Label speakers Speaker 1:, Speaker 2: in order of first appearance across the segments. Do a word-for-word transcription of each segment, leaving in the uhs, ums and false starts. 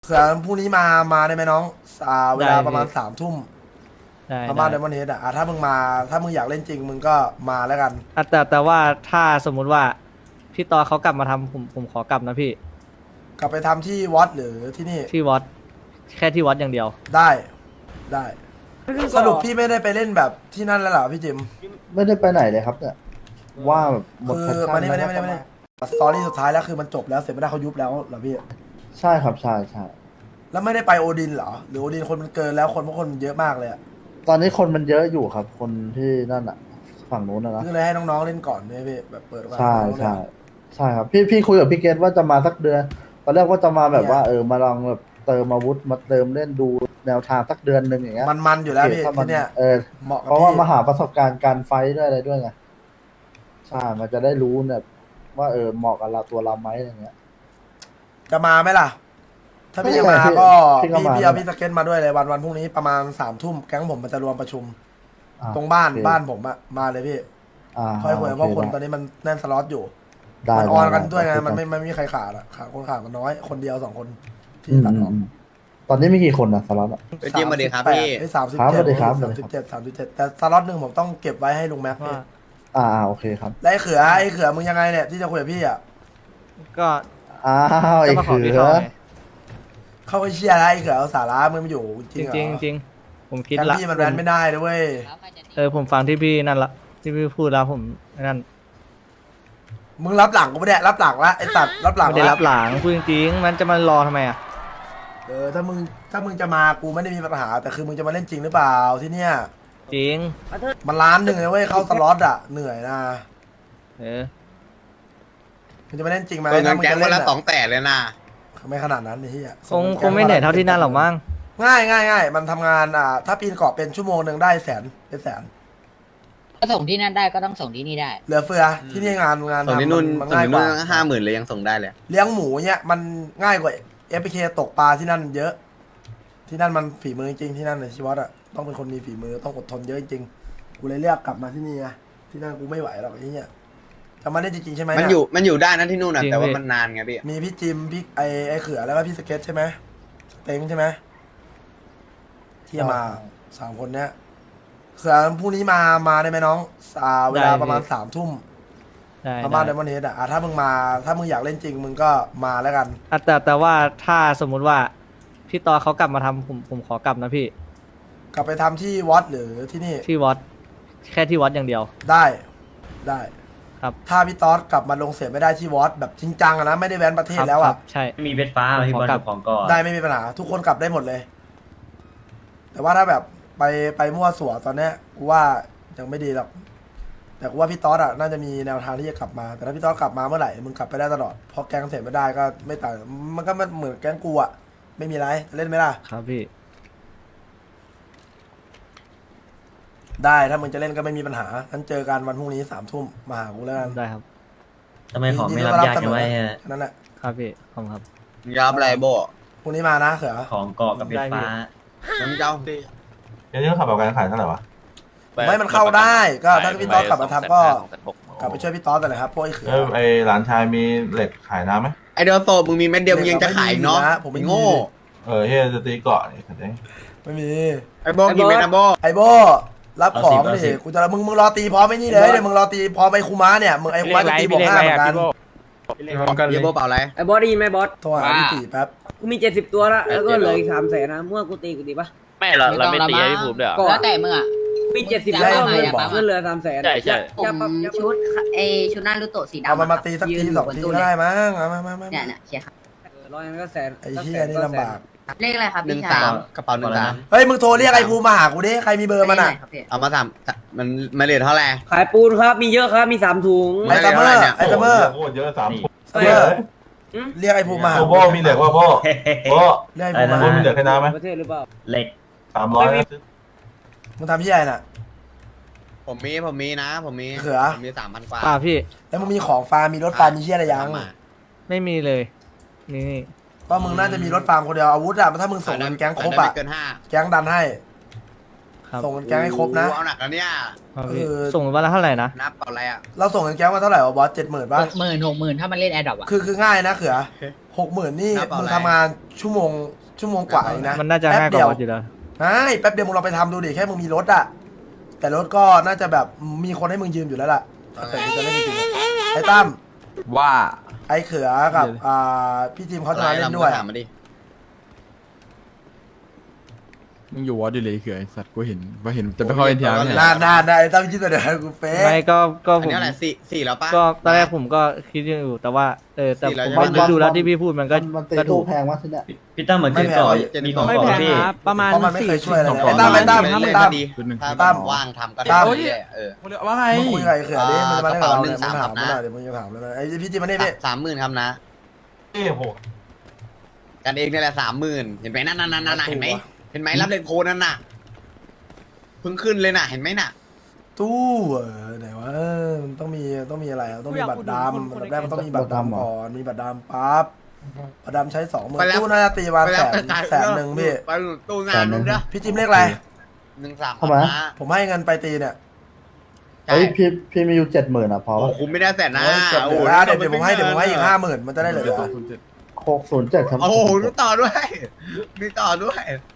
Speaker 1: เสือพรุ่งนี้มามาได้ไหมน้องอ่าเวลาประมาณ
Speaker 2: ได้พี่
Speaker 1: สามทุ่ม
Speaker 2: ได้
Speaker 1: ประมาณ
Speaker 2: ได้
Speaker 1: เดมอนเฮดอ่ะอ่ะถ้ามึงมาถ้ามึงอยากเล่นจริงมึงก็มาแล้วกัน
Speaker 2: อ่ะแต่แต่ว่าถ้าสมมุติว่าพี่ตอเขากลับมาทำผมผมขอกลับนะพี่
Speaker 1: กลับไปทำที่วัดหรือที่นี่
Speaker 2: ที่วัดแค่ที่วัดอย่างเดียว
Speaker 1: ได้ได้สรุปพี่ไม่ได้ไปเล่นแบบที่นั่นแล้วเหรอพี่จิม
Speaker 3: ไม่ได้ไปไหนเลยครับเนี่ยว่าแบบหมด
Speaker 1: คื
Speaker 3: แพช
Speaker 1: อ
Speaker 3: ชั่น
Speaker 1: มานี่มานี่มานี่
Speaker 3: แล้ว
Speaker 1: มานี่สตอรี่สุดท้ายแล้วคือมันจบแล้วเสร็จไม่ได้เขายุบแล้วเหรอพี่
Speaker 3: ใช่ครับใช่ใช่
Speaker 1: แล้วไม่ได้ไปโอดินเหรอหรือโอดินคนมันเกินแล้วคนเพราะคนมันเยอะมากเลยอะ
Speaker 3: ตอนนี้คนมันเยอะอยู่ครับ คนที่นั่นอ่ะ ฝั่งนู้นนะนะ
Speaker 1: ก็เลยให้น้องๆเล่นก่อนเนี่ยพี่แบบเปิดโอกาส
Speaker 3: ใช่
Speaker 1: น้องๆ
Speaker 3: ใช่
Speaker 1: เนี่ย
Speaker 3: ใช่ครับพี่พี่คุยกับพี่เกตว่าจะมาสักเดือนตอนแรกว่าจะมาแบบว่าเออมาลองแบบเติมอาวุธมาเติมเล่นดูแนวทางสักเดือนหนึ่งอย่างเงี้ย
Speaker 1: มันมันอยู่แล้วพี่
Speaker 3: ถ้ามั
Speaker 1: ที่เนี่ย
Speaker 3: เออ
Speaker 1: เหมาะกับ
Speaker 3: เพราะว่า
Speaker 1: พี่
Speaker 3: มาหาประสบการณ์การไฟท์ด้วยอะไรด้วยไงใช่มันจะได้รู้เนี่ยว่าเออเหมาะกับเราตัวเราไหมอะไรเงี้ย
Speaker 1: จะมาไหมล่ะ ถ้าพี่
Speaker 3: ไม่
Speaker 1: จะมา
Speaker 3: พี่
Speaker 1: ก็
Speaker 3: พี่ก็
Speaker 1: พี่
Speaker 3: มา
Speaker 1: พี่เอา
Speaker 3: ได้
Speaker 1: พี่สเก็ตมาด้วยเลยวันวันพรุ่งนี้ประมาณสามทุ่มแก๊งผมมันจะรวมประชุม
Speaker 3: อ่ะ
Speaker 1: ตรงบ้าน
Speaker 3: โอเค
Speaker 1: บ้านผมอะมาเลยพี่
Speaker 3: อ่า
Speaker 1: ค่อยคุย
Speaker 3: โ
Speaker 1: เพราะคนต
Speaker 3: ได้
Speaker 1: อนนี้มันแน่นสล็อตอยู่
Speaker 3: ได้
Speaker 1: มันออนกัน
Speaker 3: ได้
Speaker 1: ด้วยไง
Speaker 3: ได้
Speaker 1: มันไม่ไม่มีใครขาดอะขาดคนขาดมันน้อยคนเดียวสองคนที่
Speaker 3: อืม
Speaker 1: ตัด
Speaker 3: อื
Speaker 1: อ
Speaker 3: ม
Speaker 1: อก
Speaker 3: อืมตอนนี้มีกี่คนนะสล็อตอะ
Speaker 4: ไปจิ้มมาดีครับพี่
Speaker 1: สามสิบ
Speaker 3: ครับ
Speaker 1: เจ็ด
Speaker 3: สวัสดีครับ
Speaker 1: สามสิบเจ็ดสามสิบเจ็ดแต่สล็อตหนึ่งผมต้องเก็บไว้ให้ลุงแม็กซ์พี่
Speaker 2: ว่า
Speaker 3: อ่าอ่าโอเคครับ
Speaker 1: แล้วไอ้เขือไอ้เขือมึงยังไงเนี่ยที่จะคุยกับพี่อะ
Speaker 2: ก็
Speaker 3: อ้าวไอ้
Speaker 2: จะมาขอ
Speaker 3: เขื
Speaker 2: พี่
Speaker 3: อ
Speaker 2: เขาไง
Speaker 1: เข้าไปเชียร์อะไรไอ้เขือเอาสาระมึงมาอยู่จ
Speaker 2: จ
Speaker 1: ริง
Speaker 2: ริง
Speaker 1: เหรอ
Speaker 2: จริงจริงผมคิด
Speaker 1: แค่
Speaker 2: ละ
Speaker 1: พี่มันแรนไม่ได้นะเว้ย
Speaker 2: เออผมฟังที่พี่นั่นละที่พี่พูดแล้วผมนั่น
Speaker 1: มึงรับหลังกูไม่ได้รับหลังละไอ้สัตว์รับหลัง
Speaker 2: ไม่ได้
Speaker 1: ละ
Speaker 2: รับหลังพูดจริงๆมันจะมารอทำไมอ่ะ
Speaker 1: เออถ้ามึงถ้ามึงจะมากูไม่ได้มีปัญหา แต่คือมึงจะมาเล่นจริงหรือเปล่าที่เนี่ย
Speaker 2: จริง
Speaker 1: มันล้านหนึ่งเลยเว้ยเข้าสล็อตอ่ะเหนื่อยนะ
Speaker 2: เออ
Speaker 1: มึงจะมาเล่นจริงไหม
Speaker 4: เปิดเงิ
Speaker 1: ถ้าน มึง
Speaker 4: แก๊ง
Speaker 1: จะ
Speaker 4: วัน
Speaker 1: เล่น
Speaker 4: ละ
Speaker 1: อะ
Speaker 4: สองแสนเลยนะ
Speaker 1: ไม่ขนาดนั้นนี่ที่อ่ะ
Speaker 2: คงคงไม่เหนื่อยเท่าที่นั่นหรอกมั้ง
Speaker 1: ง่ายง่ายง่ายมันทำงานอ่าถ้าปีนเกาะเป็นชั่วโมงหนึ่งได้แสนเป็นแสน
Speaker 5: ก็ส่งที่นั่นได้ก็ต้องส่งที่นี่ได้
Speaker 1: เหลือเฟือที่นี่งานงาน
Speaker 4: ส่งที่
Speaker 1: ทำ
Speaker 4: นู่น
Speaker 1: มัน
Speaker 4: ส่ง
Speaker 1: ง่าย
Speaker 4: ที่
Speaker 1: ก
Speaker 4: นู่
Speaker 1: ว่าน
Speaker 4: ห้าหมื่นเลยยังส่งได้เลย
Speaker 1: เลี้ยงหมูเนี่ยมันง่ายกว่าเอฟเคตกปลาที่นั่นเยอะ ที่นั่นมันฝีมือจริงที่นั่นในชีวิตอ่ะต้องเป็นคนมีฝีมือต้องอดทนเยอะจริงกูเลยเลือกกลับมาที่นี่ไงที่นั่นกูไม่ไหวหรอกไอ้เนี่ยจะมาได้จริงๆใช่ไหม
Speaker 4: มัน
Speaker 1: เย
Speaker 4: อยู่มันอยู่ได้นะที่นู่นนะแต่ว่ามันนานไงพี่
Speaker 1: มีพี่จิมพี่ไอไอเขือแล้วก็พี่สเก็ตใช่ไหมเต็งใช่ไหมที่จะมาสามคนเนี้ยเขือพรุ่งนี้มามาได้ไหมน้องอ่าเวลาประมาณสามทุ่ม
Speaker 2: ได้
Speaker 1: ประมาณเด
Speaker 2: ได้
Speaker 1: มอนเฮดอ่ะอ่ะถ้ามึงมาถ้ามึงอยากเล่นจริงมึงก็มาแล้วกัน
Speaker 2: อ่ะแต่แต่ว่าถ้าสมมุติว่าพี่ตอเขากลับมาทำผมผมขอกลับนะพี่
Speaker 1: กลับไปทำที่วัดหรือที่นี่
Speaker 2: ที่วัดแค่ที่วัดอย่างเดียว
Speaker 1: ได้ได้
Speaker 2: ครับ
Speaker 1: ถ้าพี่ต๊อดกลับมาลงเสียไม่ได้ที่วัดแบบจริงจังอะนะไม่ได้แว้นประเทศแล้ว
Speaker 2: ครั
Speaker 1: อ่ะ
Speaker 2: บใช่
Speaker 6: มีเวทฟ้าพี่บอล
Speaker 2: ขอกลับ
Speaker 6: กับของก่อน
Speaker 1: ได้ไม่มีปัญหาทุกคนกลับได้หมดเลย แต่ว่าถ้าแบบไปไปมั่วสั่วตอนเนี้ยกูว่ายังไม่ดีหรอกแต่กูว่าพี่ต๊อดอ่ะน่าจะมีแนวทางที่จะกลับมา แต่ถ้าพี่ต๊อดกลับมาเมื่อไหร่มึงกลับไปได้ตลอดพอแก๊งเสร็จไม่ได้ก็ไม่ต่างมันก็เหมือนแก๊งกูอ่ะไม่มีไรเล่นไหมล่ะ
Speaker 2: ครับพี่
Speaker 1: ได้ถ้ามึงจะเล่นก็ไม่มีปัญหางั้นเจอกันวันพรุ่งนี้สามทุ่มมาหากูแล้วกัน
Speaker 2: ได้ครับ
Speaker 6: ทำไมของไม่รับยากจังไว้ฮะ
Speaker 1: นั่นแหละ
Speaker 2: ครับพี่ขอบคุณครับ
Speaker 4: ยอมอะไรโบ
Speaker 1: พรุ่งนี้มานะเขือ
Speaker 6: ของเกาะกับเวทฟ้า
Speaker 4: น้ำเจ้า
Speaker 7: เดี๋ยวนี้เขาขับแบบการขายเท่าไหร่วะ
Speaker 1: ไม่มันเข้าได้ก็ถ้าพี่ต๊อดกลับมาทำก็กลับไปช่วยพี่ต๊อดแต่เลยครับพวกไอ้เขือ
Speaker 7: เออไอหลานชายมีเหล็กขายน้ำไหม
Speaker 4: ไอเดอร์โซมึงมีเม็ดเดียวมึงยังจะขายเนาะ
Speaker 1: ผมไม่
Speaker 4: ไอ้
Speaker 1: มี
Speaker 4: โง่
Speaker 7: เออเฮียจะตีเกาะนี่เข้าใจ
Speaker 1: ไม่มี
Speaker 4: ไอโบกี่เม็ดนะโบ
Speaker 1: ไอโบรับของดิกูจะมึงมึงรอตีพร้อมไอ้นี่เลยเดี๋ยวมึงรอตีพร้อมไอ้คูม้าเนี่ยมึงไอ้คูม้าจะตีบวกห้าเหมือนกัน
Speaker 4: เยโบเปล่าอะไร
Speaker 8: ไอ้บอสได้ยินไหมบอส
Speaker 1: โทรหาพี่ตีแป๊บ
Speaker 8: กูมีเจ็ดสิบตัวแล้วแล้วก็เหลืออีกสามแสนนะเมื่อกูตีกูตีปะ
Speaker 9: ไม่เราเราไม่ตีให้พี่ภูมิด้วยเหรอ
Speaker 8: ก็
Speaker 5: แล้วแต่มึงอ่ะ
Speaker 8: มีเจ็ดสิบ
Speaker 5: ได้
Speaker 8: แล้ว
Speaker 5: ไหม
Speaker 8: เงิน
Speaker 5: อะปั๊บ
Speaker 8: เงินเหลือสามแสน
Speaker 9: ใช่ใช่
Speaker 5: ผมชุดเอชุดหน้ารุโตะสีดำ
Speaker 1: เอามันมา
Speaker 5: ะครับ
Speaker 1: ตีสัก
Speaker 5: ยื
Speaker 1: ที
Speaker 5: น
Speaker 1: สอง
Speaker 5: บน
Speaker 1: ที
Speaker 5: ตู้
Speaker 1: ก็
Speaker 5: เนี่
Speaker 1: ได้
Speaker 5: ย
Speaker 1: มั้งเอามามามา
Speaker 5: เนี่ยเนี่ยเชียร์ครับ
Speaker 8: ร้อยนั้นก็แสน
Speaker 1: ไอ้เหี้ยนี่ลำบาก
Speaker 5: เลขอะไรครับ
Speaker 4: หนึ่ง
Speaker 5: พี่
Speaker 4: สา
Speaker 5: ชาย
Speaker 4: มกระเป๋าหนึ่งสาม
Speaker 1: เฮ้ยมึงโทรเรียกไอ้ภูมิมาหากูดิใครมีเบอร์มัน
Speaker 5: เลข
Speaker 1: อ่ะ
Speaker 5: อะไรครับพี่
Speaker 4: เอามาสามมันมาเลทเท่าไหร่
Speaker 8: ขายปูนครับมีเยอะครับมีสามถุง
Speaker 1: ไอ้ซัมเมอร์ไอ้ซัมเมอร์
Speaker 7: โคตรเยอะสาม
Speaker 1: ซัมเมอร์เรียกไอ้ภูมิมาหา
Speaker 7: โอ้โหมีเหล็กว่าพ่อพ่อ
Speaker 1: เรียกไอ้ภูมิมา
Speaker 7: พ่อ
Speaker 1: หา
Speaker 7: มีเหล็กให้น้ำไหม
Speaker 8: ประเทศหรือเปล่า
Speaker 6: เหล็ก
Speaker 7: สามร้อยนะ
Speaker 1: มึงทำที่ไหนน่ะ
Speaker 4: ผมมีผมมีนะ ผมมี
Speaker 1: เขือ
Speaker 4: ผมมีสามพันกว่า
Speaker 2: ป่าพี่
Speaker 1: แล้วมึงมีของฟาร์มมีรถฟาร์มมีเชี่ยอะไรยัง
Speaker 4: มา
Speaker 2: ไม่มีเลยนี่นี่
Speaker 1: ก็มึงน่าจะมีรถฟาร์มคนเดียวอาวุธอะถ้ามึงส่งเงินแก๊งครบอะ
Speaker 4: ไม่เกินห้า
Speaker 1: แก๊งดันให้
Speaker 2: ครับ
Speaker 1: ส่งเงินแก๊งให้ครบนะ
Speaker 4: เอาหนักแล้วเนี่ย
Speaker 2: ครับพี่
Speaker 1: เออ
Speaker 2: ส่งวันละเท่าไหร่นะ
Speaker 4: นับเปล่าอะไรอ่ะ
Speaker 1: เราส่งเงินแก๊งมาเท่าไหร่วะบอสเจ็ดหมื่น
Speaker 5: ห
Speaker 1: ป่ะ
Speaker 5: กหมื่นหกหมื่นถ้ามันเล่นแอร์ดรอปอ่ะ
Speaker 1: คือคือง่ายนะเขือหกหมื่นนี่
Speaker 4: หน้าเปล่า
Speaker 1: มึง
Speaker 4: อะไร
Speaker 1: ทำงานชั่วโมงชั่วโมงกว่าเองนะ
Speaker 2: มันน่าจะ
Speaker 1: แป๊บ
Speaker 2: ง่ายก
Speaker 1: เดี
Speaker 2: ว่าว ออสอยู่แล้ว
Speaker 1: ใช่แป๊บเดียวมึงลองไปทำดูดิแค่มึงมีรถอะแต่รถก็น่าจะแบบมีคนให้มึงยืมอยู่แล้วล่ะแต่มึงจะเล่นจริงๆอะไอ้ตั้ม
Speaker 10: ว่า
Speaker 1: ไอ้เขือกับอ่าพี่ทีมเขาจะมาเล่นด้วย
Speaker 4: ถามมาดิ
Speaker 10: มึงอยู่วอดอยู่เลยเขื่อนไอ้สัตว์กูเห็นว่าเห็นจะไปเข้าเอ็นทีอาร์เนี่ย
Speaker 1: นานนานๆนะไอ้ตั้มคิดแต่เดี๋ยวกูเป๊ะ
Speaker 2: ไม่ก็ก็
Speaker 4: อัน
Speaker 2: ผม
Speaker 4: นี้อะไรสี่สี่แล้วปะ
Speaker 2: ก็ตอนแรกผมก็คิดอยู่แต่ว่าเออแต่
Speaker 4: สี่แล้ว
Speaker 2: ผม
Speaker 4: ใช่ไหม
Speaker 2: ก็ดูแล้วที่พี่พูดมันก็
Speaker 3: มันตี
Speaker 2: ก็ถู
Speaker 3: ตู้
Speaker 2: ก
Speaker 3: แพงวะที่เนี้ย
Speaker 6: พี่ตั้มเหมือนเจอก่อนมีของ
Speaker 8: ไม่
Speaker 6: ก่อ
Speaker 8: แพ
Speaker 6: น
Speaker 8: ง
Speaker 6: พี่
Speaker 8: ครับประมาณ
Speaker 1: เพราะมันไม่เคยช่วยอะไรเลย
Speaker 10: สี่
Speaker 1: ไอ้ตั้มไอ้ตั้ม
Speaker 4: เล
Speaker 1: ไอ้
Speaker 4: ย
Speaker 1: ตั้
Speaker 4: ก็
Speaker 1: ม
Speaker 4: ดี
Speaker 10: จุดหนึ่ง
Speaker 4: ถ้า
Speaker 1: ตั้ม
Speaker 4: ว่างทำก็
Speaker 1: ตั้
Speaker 4: ได้
Speaker 1: ม
Speaker 4: เรื่อยๆเออ
Speaker 10: ว่าไง
Speaker 1: มึงคุยกับไอ้เขือดิมันจะมาเล่นกับเราเนี่ย
Speaker 4: กระ
Speaker 1: มึง
Speaker 4: เป๋า
Speaker 1: ถาม
Speaker 4: หนึ่ง
Speaker 1: มาหน่อย
Speaker 4: สาม
Speaker 1: เดี๋ยวมึงจะถามแล้วนะไอ้พี่ทีมมานี่พี่
Speaker 4: สามหมื่นครับนะ
Speaker 7: เอ้โห
Speaker 4: กันเองนี่แหละสามหมื่นเห็นไหมนั่นนั่นนั่นนั่นเห็นไหมเห็นไหมรับเลนโพนั่นน่ะเพิ่งขึ้นเลยน่ะเห็นไหมน่ะ
Speaker 1: ตู้เออไหนวะเออมันต้องมีต้องมีอะไรอ่ะต้องมีบัตรดำอันดับแรกมันต้องมีบัตรดำก่อนมีบัตรดำปั๊บบัตรดำใช้สองหมื่นตู้น่าจะตีวัน
Speaker 4: ไป
Speaker 1: แส
Speaker 4: แล้ว
Speaker 1: น
Speaker 4: ไปขาย
Speaker 1: แสนหนึ่งพี่
Speaker 4: ไปตู้งานนู้นนะ
Speaker 1: พี่จิมเลขอะไร
Speaker 4: หนึ่งสาม
Speaker 3: เข้ามา
Speaker 4: นะ
Speaker 1: ผมให้เงินไปตีเนี่ย
Speaker 4: ใช่
Speaker 3: เฮ้ยพี่พี่มีอยู่เจ็ดหมื่นอ่ะพอ
Speaker 4: โอ้
Speaker 3: ปะ
Speaker 4: คุ้มไม่ได้แสนนะ
Speaker 1: โอ้ยเก็บเหลือแล้วเดี๋ยวเดี๋ยวผมให้เดี๋ยวผมให้อีกห้าหมื่นมันจะได้เหลือ
Speaker 3: หกศูนย์เจ็ดครับ
Speaker 4: โอ้โหมีต่อด้วยมีต่อด้วย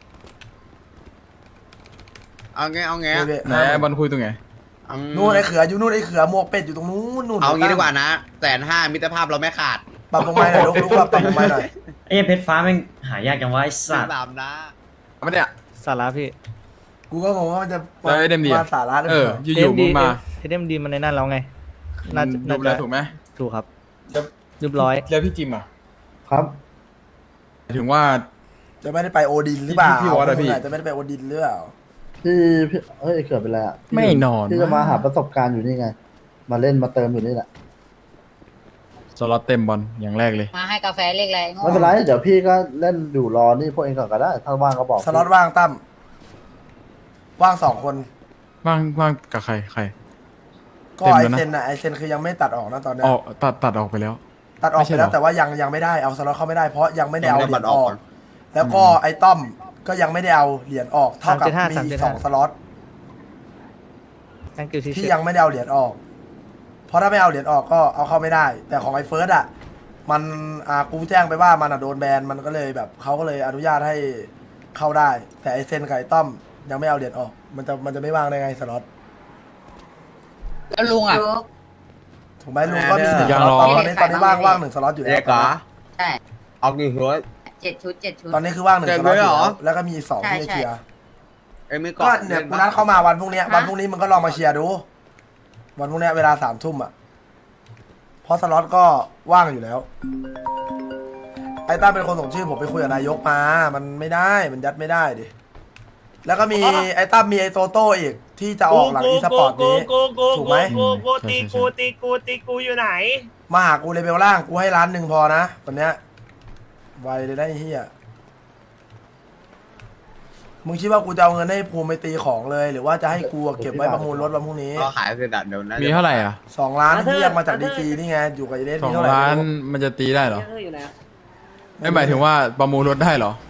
Speaker 4: เอาไงเอาไง
Speaker 1: นี่พี่
Speaker 10: ไหนไอ้บอลคุยตรงไหน
Speaker 4: อืม
Speaker 1: นู่นไอ้เขืออยู่นู่นไอ้เขือหมวกเป็ดอยู่ตรงนู้นนู่น
Speaker 4: เอางี้ดีกว่านะแสนห้ามิตรภาพเราไม่ขาด
Speaker 1: ปรับลงไปหน่อยลุกลุกปรับลงไปหน่อย
Speaker 6: ไอ้เพชรฟ้าแม่งหายากจังวะไอ้สัตว์
Speaker 4: สามนะ
Speaker 10: ไม่ได้อะ
Speaker 2: สาระพี่
Speaker 1: กูก็งงว่ามันจะ
Speaker 10: แล้วไอ้เดมดีอะ
Speaker 1: มาสาระหรือ
Speaker 10: เอ
Speaker 1: เป
Speaker 10: อ
Speaker 1: ล่า
Speaker 10: อยู่ๆมึงมา
Speaker 2: เอ็มดีมันในนั่นแล้วไงน่าจะ
Speaker 10: ดู
Speaker 2: น่า
Speaker 10: แล
Speaker 2: จะ
Speaker 10: ถูกไหม
Speaker 2: ถูกครับ
Speaker 10: แล้ว
Speaker 2: เรียบร้อย
Speaker 10: แล้วพี่จิมอ่ะ
Speaker 3: ครับ
Speaker 10: หมายถึงว่า
Speaker 1: จะไม่ได้ไปโอดินหรือเปล่า
Speaker 10: พี่วอสอะพี่
Speaker 1: จะไม่ได้ไปโอดินหรือเปล่า
Speaker 3: พี่พี่เฮ้ยเกิดเป็นไรอ่ะพี่
Speaker 10: ไม่นอน
Speaker 3: พี่จะมาหาประสบการณ์อยู่นี่ไง มาเล่นมาเติมอยู่นี่แหละ
Speaker 10: สล็อตเต็มบอลอย่างแรกเลย
Speaker 5: มาให้กาแฟเล็กอะไรโง่
Speaker 3: ไม่เป็นไรเดี๋ยวพี่ก็เล่นอยู่รอนี่พวกเองก่อนก็ได้ ถ้าว่างก็บอก
Speaker 1: สล็อตว่างตั้มว่างสองคน
Speaker 10: ว่างว่างกับใครใคร
Speaker 1: ก็
Speaker 10: เต็ม
Speaker 1: ไอ
Speaker 10: แล้วนะ
Speaker 1: เซนน่ะไอเซนคือยังไม่ตัดออกนะตอนเนี้ย
Speaker 10: ออกตัดตัดออกไปแล้ว
Speaker 1: ตัดออก
Speaker 10: ไม่ใช่
Speaker 1: ไปแล้ว
Speaker 10: หรอ
Speaker 1: แต่ว่ายังยังไม่ได้เอาสล็อตเข้าไม่ได้เพราะยังไม่ได้เอา
Speaker 4: ยัง
Speaker 1: เห
Speaker 4: ไม่
Speaker 1: รี
Speaker 4: ได้
Speaker 1: ยญออก
Speaker 4: บัตรออก
Speaker 1: แล้วก็ไอต้อมก็ยังไม่ได้เอาเหรียญออกเท่ากับ
Speaker 2: สามเจ็ดห้า
Speaker 1: มี
Speaker 2: สามเจ็
Speaker 1: อี
Speaker 2: ด
Speaker 1: ก
Speaker 2: ห้า
Speaker 1: สองสล็อต
Speaker 2: thank you ที่
Speaker 1: ที่ยังไม่ได้เอาเหรียญออก เพราะถ้าไม่เอาเหรียญออกก็เอาเข้าไม่ได้ แต่ของไอเฟิร์สอ่ะมันอ่ากูแจ้งไปว่ามันอ่ะโดนแบนมันก็เลยแบบเขาก็เลยอนุญาตให้เข้าได้ แต่ไอเซนกับไอต้อมยังไม่เอาเหรียญออก มันจะมันจะไม่ว่างได้ไงสล็อต
Speaker 5: แล้วลุงอ่ะ
Speaker 1: ถูกไหมลุงก็มีหนึ่ง
Speaker 10: ยั
Speaker 1: ส
Speaker 10: ง
Speaker 1: ล็อต
Speaker 10: รอ
Speaker 1: ตอนนี้ตอนนี้ว่างว่างหนึ่งสล็อตอยู่แล้
Speaker 4: เด็
Speaker 1: ว
Speaker 4: กเหรอ
Speaker 5: ใช่
Speaker 4: เอากี่หัว
Speaker 5: เจ็ดชุดเจ็ดชุด
Speaker 1: ตอนนี้คือว่างหนึ่ง
Speaker 4: เกิ
Speaker 1: ส
Speaker 4: น
Speaker 1: ล็อต
Speaker 4: ไป
Speaker 1: อยู่
Speaker 4: เหรอ
Speaker 1: แล้วแล้วก็มีอีกสองที่
Speaker 5: ใช่
Speaker 1: จะเคลียร์
Speaker 4: ไอ้มือ
Speaker 1: ก็
Speaker 4: ก่อน
Speaker 1: เนี่ยกูนัดเข้ามาวันพรุ่งนี้วันพรุ่งนี้มึงก็ลองมาเชียร์ดู วันพรุ่งนี้เวลาสามทุ่มอ่ะเพราะสล็อตก็ว่างอยู่แล้ว ไอ้ต้าเป็นคนส่งชื่อผมไปคุยกับนายกมา มันไม่ได้มันยัดไม่ได้ดิแล้วก็มีไอ้ต้ามีไอ้โตโต้อีกที่จะออกหลังอีสปอร์ตนี้ถูกไหม
Speaker 10: กูกูตีกูตีกู
Speaker 9: ตีกูอยู่ไหน
Speaker 1: มาหากูเลเวลล่างกูให้ล้านหนึ่งพอนะวันเนี้ยไวเลยได้ไอ้เฮียมึงคิดว่ากูจะเอาเงินให้ภูมิไปตีของเลย หรือว่าจะให้กูเก็บไว้ประมูลรถวันพรุ่งนี้
Speaker 4: ก็ขายเสร็จอะเดี๋ยวนะ
Speaker 10: มีเท่าไหร่อ่ะ
Speaker 1: สองล้านที่เรียกมาจากดีจีนี่ไงอยู่กับไอเดส
Speaker 10: สอ
Speaker 1: มี
Speaker 10: ง
Speaker 1: เท่าไหร่
Speaker 10: ล้าน
Speaker 1: ไม่รู้
Speaker 10: มันจะตีได้เหรอ
Speaker 8: เยอะอยู่แล้ว
Speaker 10: ไม่หมายถึงว่าประมูลรถได้เหรอ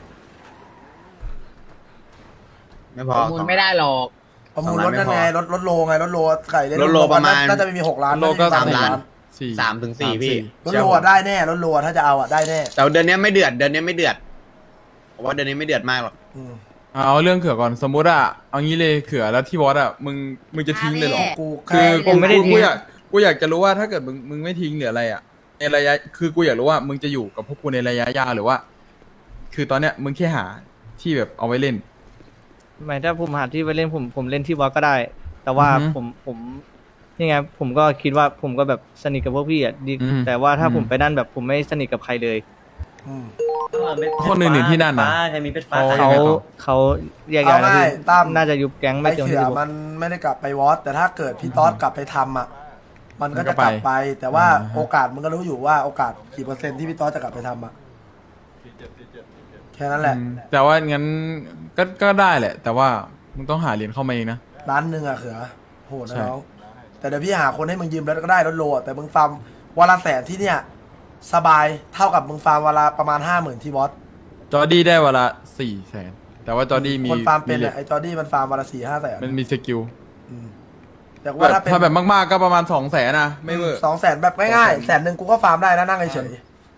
Speaker 4: ไม่พอ
Speaker 5: มูลไม่ได้หรอก
Speaker 1: ประมูลรถนั่นไงรถรถโลไงรถโลไก่เล่น
Speaker 4: รถโลประมาณ
Speaker 1: น่าจะไม่มีหกล้าน
Speaker 10: รถโลก็
Speaker 1: น่จะ
Speaker 4: สามล้าน
Speaker 10: สี่
Speaker 4: สามถึงสี่พี่
Speaker 1: รถโลอะได้แน่รถโลอะถ้าจะเอาอะได้แน่
Speaker 4: แต่เดือนนี้ไม่เดือดเดือนนี้ไม่เดือดผมว่าเดือนนี้ไม่เดือดมากหรอก
Speaker 1: อืม
Speaker 10: เอาเรื่องเขื่อก่อนสมมติอ่ะเอางี้เลยเขื่อแล้วที่วอดอ่ะมึงมึงจะทิ้งเลยเหรอ
Speaker 5: อ่ะ
Speaker 1: กู
Speaker 10: คื
Speaker 1: แค่
Speaker 10: อ
Speaker 2: ผมไม่ได้ทิ้ง
Speaker 10: กูอยากกูอยากจะรู้ว่าถ้าเกิดมึงมึงไม่ทิ้งหรืออะไรอ่ะในระยะคือกูอยากรู้ว่ามึงจะอยู่กับพวกกูในระยะยาวหรือว่า คือตอนเนี้ยมึงแค่หาที่แบบเอาไว้เล่น
Speaker 2: หมายถ้าผมหาที่ไปเล่นผมผมเล่นที่วอลก็ได้ แต่ว่า
Speaker 10: อือฮึ
Speaker 2: ผมผมนี่ไงผมก็คิดว่าผมก็แบบสนิทกับพวกพี่อ่ะดี
Speaker 10: อืม
Speaker 2: แต่ว่าถ้า
Speaker 10: อืม
Speaker 2: ผมไปนั่นแบบผมไม่สนิทกับใครเลย
Speaker 1: อืม
Speaker 10: คนอื่นๆที่นั่นน่ะ
Speaker 6: ใครมีเพชรฟ้า
Speaker 10: เขา
Speaker 2: เขา
Speaker 10: ยังไงต่อ
Speaker 2: เขาแยก
Speaker 1: เอา
Speaker 2: ย้ายแล้ว
Speaker 1: ง่าย
Speaker 2: พี่
Speaker 1: ตั้ม
Speaker 2: น่าจะยุบแก๊งไม่
Speaker 1: ไอ้
Speaker 2: เกิน
Speaker 1: เขื
Speaker 2: ที่
Speaker 1: อ
Speaker 2: สิบหก
Speaker 1: มันไม่ได้กลับไปวอตแต่ถ้าเกิดพี่ต๊อดกลับไปทำอะมันก็
Speaker 10: มันก็
Speaker 1: จะกลับ
Speaker 10: ไป
Speaker 1: ไป แต่ว่า
Speaker 10: อ่าฮะ
Speaker 1: โอกาสมึงก็รู้อยู่ว่าโอกาสกี่เปอร์เซ็นต์ที่พี่ต๊อดจะกลับไปทำอะแค่นั้นแหละ
Speaker 10: อืมแต่ว่างั้นก็ก็ได้แหละ แต่ว่ามึงต้องหาเหรียญเข้ามาเองนะ
Speaker 1: ล้านหนึ่งอะเขือโหดนะ
Speaker 10: ใช่
Speaker 1: น้องแต่เดี๋ยวพี่หาคนให้มึงยืมแล้วก็ได้รถโลอะแต่มึงฟาร์มวันละแสนที่เนี่ยสบายเท่ากับมึงฟาร์มวันละประมาณห้าหมื่นที่วอต
Speaker 10: จอร์ดี้ได้วันละสี่แสนแต่ว่าจอร์ดี้มี
Speaker 1: คนฟาร์มเป็น
Speaker 10: หล็
Speaker 1: อะ
Speaker 10: ก
Speaker 1: ไอจอร์ดี้มันฟาร์มวันละสี่ห้าแสน
Speaker 10: มันมีสกิล
Speaker 1: อืมแต่
Speaker 10: แบ
Speaker 1: ว่า
Speaker 10: บ
Speaker 1: ถ้าเป็น
Speaker 10: ถ้าแบบมากๆก็ประมาณสองแสนนะไม่เวอร์
Speaker 1: สองแสนแบบง่ายๆแสนหนึ่งกูก็ฟาร์มได้นะนั่งเฉย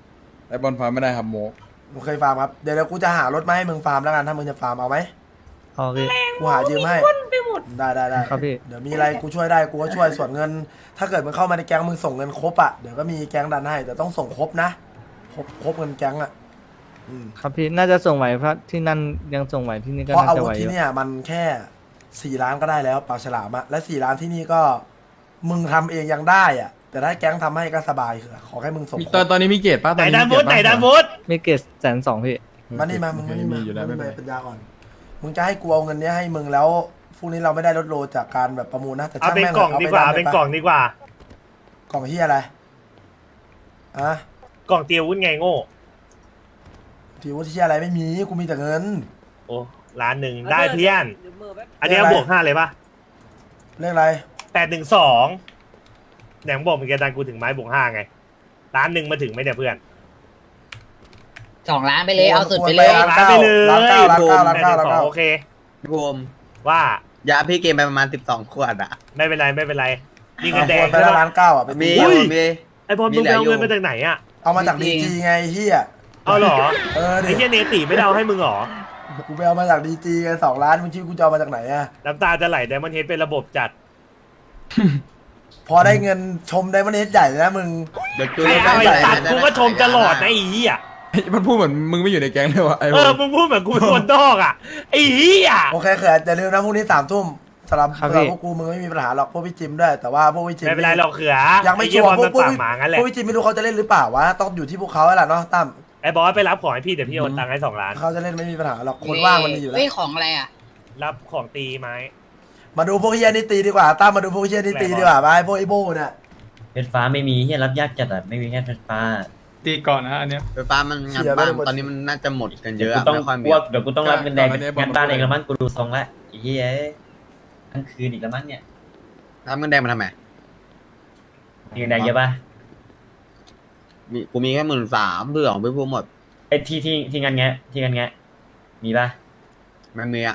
Speaker 10: ไอบอลฟาร์มไม่ได้ครับโมก
Speaker 1: มึงเคยฟาร์มครับเดี๋ยวเดี๋ยวกูจะหารถมาให้มึงฟาร์มแล้วกันถ้ามึงจะฟาร์มเอาไหม
Speaker 2: เอาพี่
Speaker 1: กูหายืมให้ได้ได้ได้
Speaker 2: ครับพี่
Speaker 1: เดี๋ยวมีอะไรกูช่วยได้กูก็ช่วยส่วนเงิน ถ้าเกิดมึงเข้ามาในแก๊งมึงส่งเงินครบอ่ะเดี๋ยวก็มีแก๊งดันให้แต่ต้องส่งครบนะครบครบเงินแก๊งอ่ะอืม
Speaker 2: ครับพี่น่าจะส่งไหวเพราะที่นั่นยังส่งไหวที่นี่ก็
Speaker 1: เพราะ
Speaker 2: น่า
Speaker 1: อา
Speaker 2: จะ
Speaker 1: วุ
Speaker 2: ไห
Speaker 1: ธ
Speaker 2: วอ
Speaker 1: ที่
Speaker 2: ยู่
Speaker 1: เนี่ยมันแค่สี่ล้านก็ได้แล้วปากฉลามอะและสี่ล้านที่นี่ก็มึงทำเองยังได้อ่ะแต่ถ้าแก๊งทำให้ก็สบายคือขอให้มึงส่ง
Speaker 10: มี
Speaker 1: ค
Speaker 10: ต
Speaker 1: ร
Speaker 10: อน
Speaker 1: บ
Speaker 10: ตอนนี้มีเกรดป่ะต
Speaker 9: ไหน
Speaker 10: อนนี้
Speaker 9: ดาน
Speaker 10: มี
Speaker 9: วุ
Speaker 10: เกร
Speaker 9: ฒ
Speaker 10: ด
Speaker 9: ไหน
Speaker 10: ป่ะ
Speaker 9: ดานวุฒ
Speaker 2: มีเกตแสนสองพี่
Speaker 1: มานี่มามึงมานี่มา
Speaker 10: อยู่แล้ว
Speaker 1: มึง
Speaker 10: ไม่
Speaker 1: มา
Speaker 10: เป็นไร
Speaker 1: ปัญญาก่อนมึงจะให้กูเอาเงินเนี้ยให้มึงแล้วพรุ่งนี้เราไม่ได้ลดโลจากการแบบประมูลนะแต่
Speaker 9: เอา
Speaker 1: ช่าง
Speaker 9: เป็น
Speaker 1: แม่ง
Speaker 9: กล่อง
Speaker 1: ถะ
Speaker 9: ดีกว่า
Speaker 1: ไป
Speaker 9: เป็น
Speaker 1: ได้
Speaker 9: กล่องดีกว่า
Speaker 1: กล่องที่อะไรอะ
Speaker 9: กล่องเตียววุ้นไงโง่
Speaker 1: ที่วุฒิที่อะไรไม่มีกูมีแต่เงิน
Speaker 9: โอ้ล้านหนึ่งได้เพี้ยน อันเนี้ยบวกห้าเลยปะ
Speaker 1: เรื่องอะไร
Speaker 9: แปดหนึ่งสองแหนมบอกมึงจะดันกูถึงไม้บวกห้าไงล้านหนึ่งมาถึงไหมเนี่ยเพื่อน
Speaker 5: สองล้านไปเลยเอาสุดไปเลย
Speaker 1: ล้านเก้าล้านเก้าล้านเก้าล้าน
Speaker 9: แปดห
Speaker 1: เก้า
Speaker 9: นึ่
Speaker 1: ล้าน
Speaker 9: งสอง
Speaker 1: เก้า
Speaker 9: โอเค
Speaker 4: พี่ภูมิ
Speaker 9: ว่า
Speaker 4: ยาพี่เกมไปประมาณสิบสองขวดอะ
Speaker 9: ไม่เป็นไรไม่เป็นไรนี่เงินแดง
Speaker 1: ไปแล้วล้านเก้าอ่ะไป
Speaker 4: มี
Speaker 1: ตี
Speaker 4: อยู่มี
Speaker 9: ไอ้บอลมึงไปเอาเงินมาจากไหนอ่ะ
Speaker 1: เอามาจากดีจีไงไอ้เฮีย
Speaker 9: เอาเหรอ
Speaker 1: เออดิ
Speaker 9: ไอ้เหี้ยเนติไม่ได้เอาให้มึงเหรอ
Speaker 1: กูไปเอามาจากดีจีไงสองล้านมึงคิดกูจะเอามาจากไหนอ่ะ
Speaker 9: น้ำตาจะไหลแต่มันเฮดเป็นระบบจัด
Speaker 1: พอได้เงินชมได้มันเน็ตใหญ่เลยนะมึง
Speaker 4: เดี๋ยวจู
Speaker 9: ไอ้เอาไอ้ตัดกูก็ชมตลอดนะไอ้เหี้ย
Speaker 10: มันพูดเหมือนมึงไม่อยู่ในแก๊งเลยวะไอ้
Speaker 9: เอ
Speaker 10: พว
Speaker 9: อก มึงพูดเหมือนกูเป็นคนนอกอ่ะไอ้เหี้ย
Speaker 1: โอเคเขินอย่าลืมนะพรุ่งนี้สามทุ่มสำหรับ
Speaker 2: ครับ
Speaker 1: สำหรับ
Speaker 2: พี่
Speaker 1: พวกกูมึงไม่มีปัญหาหรอกพวกพี่จิมด้วยแต่ว่าพวกพี่จิม
Speaker 9: ไม่เป็นไรหรอกเขือ
Speaker 1: ยังไม่
Speaker 9: อ้
Speaker 1: ชั
Speaker 9: เหี้
Speaker 1: วร์
Speaker 9: บอล
Speaker 1: พวก
Speaker 9: มัน
Speaker 1: พวก
Speaker 9: ปากหมางั้นแหละ
Speaker 1: พวกพี่จิมไม่รู้เขาจะเล่นหรือเปล่าวะต้องอยู่ที่พวกเขาแล้วล่ะเนาะตั้ม
Speaker 9: ไอ้บอสไปรับของให้พี่เดี๋ยวพี่โอนตังค์ให้สองล้าน
Speaker 1: เขาจะเล่นไม่มีปัญหาหรอกคนว่างมันมีอยู่แล้ว
Speaker 5: เฮ้ยของอะไรอ่ะ
Speaker 9: รับของตีไหม
Speaker 1: มาดูพวกเฮียนี่ตีดีกว่าตั้มมาดูพวกเฮียนี่ตีดีกว่าไปพวกไอ้โบ้เนี่ย
Speaker 6: เพชรฟ้าไม่มีเฮียรับยากจัดอ่ะไม่มีแค่เพชรฟ้า
Speaker 10: ตีก่อนนะอันเนี้ย
Speaker 4: ไฟฟ้ามันงานบ้านตอนนี้มันน่าจะหมดกันเย
Speaker 6: เดี๋ยว
Speaker 4: อะ
Speaker 6: กูต้อง
Speaker 4: ไม่ค่อยมี
Speaker 6: พวกเดี๋ยวกูต้องรับเงินแดง
Speaker 10: ก่อนอันนี้
Speaker 6: งานบ้าน
Speaker 10: บอกมา
Speaker 6: เองละมั้งกูดูทรงละไอ้เฮียทั้งคืนอีกละมั้งเนี่ย
Speaker 4: ทำเงินแดงมาทำไม
Speaker 6: มีเงินแดงเยอะป่ะ
Speaker 4: มีกูมีแค่หมื่นสามเพื่อของพี่ภูมิหมด
Speaker 6: ไอ้ที่ที่ที่งานแงะที่งานแงะมีป่ะ
Speaker 4: ไม่มีอะ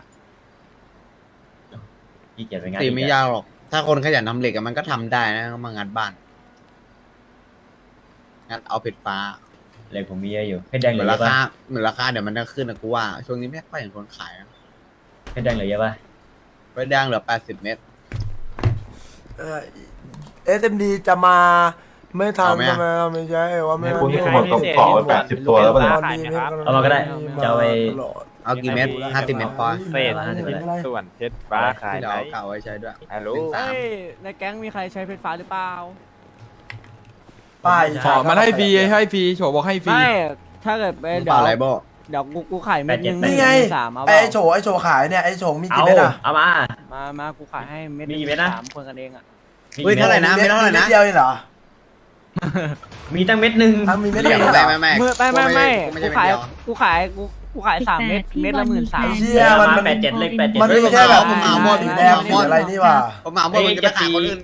Speaker 6: พี่เกียรไปงาน
Speaker 4: ตี
Speaker 6: อีก
Speaker 4: ไม่
Speaker 6: อะ
Speaker 4: ยากหรอก ถ้าคนขยันทำเหล็กอะมันก็ทำได้นะมางานบ้านงานเอาเพชรฟ้า
Speaker 6: เลยผมมีเยอะอยู่เพชรแดง
Speaker 4: เห
Speaker 6: เห
Speaker 4: มื
Speaker 6: ลื
Speaker 4: อ
Speaker 6: อน เย
Speaker 4: รา
Speaker 6: อะป่ะ
Speaker 4: คาเหมือนราคาเดี๋ยวมันจะขึ้นนะกูว่า ช่วงนี้ไม่ค่อยเห็นคนขายนะ
Speaker 6: เพชรแดงเหลือเยอะป่ะ
Speaker 4: เพชรแดงเหลือแปดสิบเมตร
Speaker 1: เอสเอ็มดีจะมาไม่ทัน
Speaker 4: เอาไหมอะ
Speaker 1: ใช่ไหมไม่ใช่ว่าไม่
Speaker 7: นี่คุณนี่คุณบอกต้องขอแปดสิบตัวแล้วป่ะเนี่ย
Speaker 6: เอามาก็ได้จะเอาไป
Speaker 4: เอากี่เมตรห้าสิบเมตรพอ
Speaker 2: เฟสห้าสิบเมตร
Speaker 9: ส่วนเพชรฟ้าขาย
Speaker 4: ที่
Speaker 9: ไห
Speaker 4: เรา
Speaker 9: น
Speaker 4: เก่าไว้ใช้ด้วย
Speaker 9: ฮัลโหล
Speaker 4: เป็นสาม
Speaker 8: ในแก๊งมีใครใช้เพชรฟ้าหรือเปล่า
Speaker 1: ป้าย
Speaker 10: ขอมันให้ฟรีให้ฟรีโฉบอกให้ฟรี
Speaker 8: ไม่ ถ้าเกิดไป
Speaker 4: มึง
Speaker 8: เดี๋
Speaker 4: เป
Speaker 8: ยว
Speaker 4: ล่าอะไรโบ
Speaker 8: เดี๋ยวกูกูขายเม็ดนึง
Speaker 1: นี่ไง
Speaker 8: สามเอา
Speaker 1: ไอ้
Speaker 8: เปล่า
Speaker 1: โฉไอ้โฉขายเนี่ยไอ้โฉมี
Speaker 6: เอา
Speaker 1: กี่เม็ดอ่ะ
Speaker 6: เอามา
Speaker 8: มามากูขายให้เม็ด
Speaker 6: มีกี่เม็ดนะ
Speaker 8: สามคนกันเองอ่ะ
Speaker 4: เฮ้ยเท่าไหร่นะไม่เท่าไหร่นะ
Speaker 1: ม็ดเดียวเองเหรอ
Speaker 6: มีตั้งเม็ดหนึ่ง
Speaker 1: อ่ะมีเม็ด
Speaker 4: ไม่
Speaker 1: เดียว
Speaker 4: ไม่
Speaker 1: เหรอ
Speaker 4: ไม่ไม่
Speaker 8: เมื่อไม่ไม่ไม่
Speaker 4: ไม่
Speaker 8: กู
Speaker 4: ใช่
Speaker 8: ขาย
Speaker 4: เม็ดเดียว
Speaker 8: กูขายกูกูขายสามเม็ดเม็ดละหมื่นสาม
Speaker 1: ไอ้เชี่ยมัน
Speaker 6: แปดเจ็ดเลขแปดเจ็ด
Speaker 1: มันไม่ใช่แบบ
Speaker 4: ผมเอาหมด
Speaker 1: สีแดงสีอะไรนี่หว่า
Speaker 4: ผมเอาหมดมึงจะไปขายคนอื่น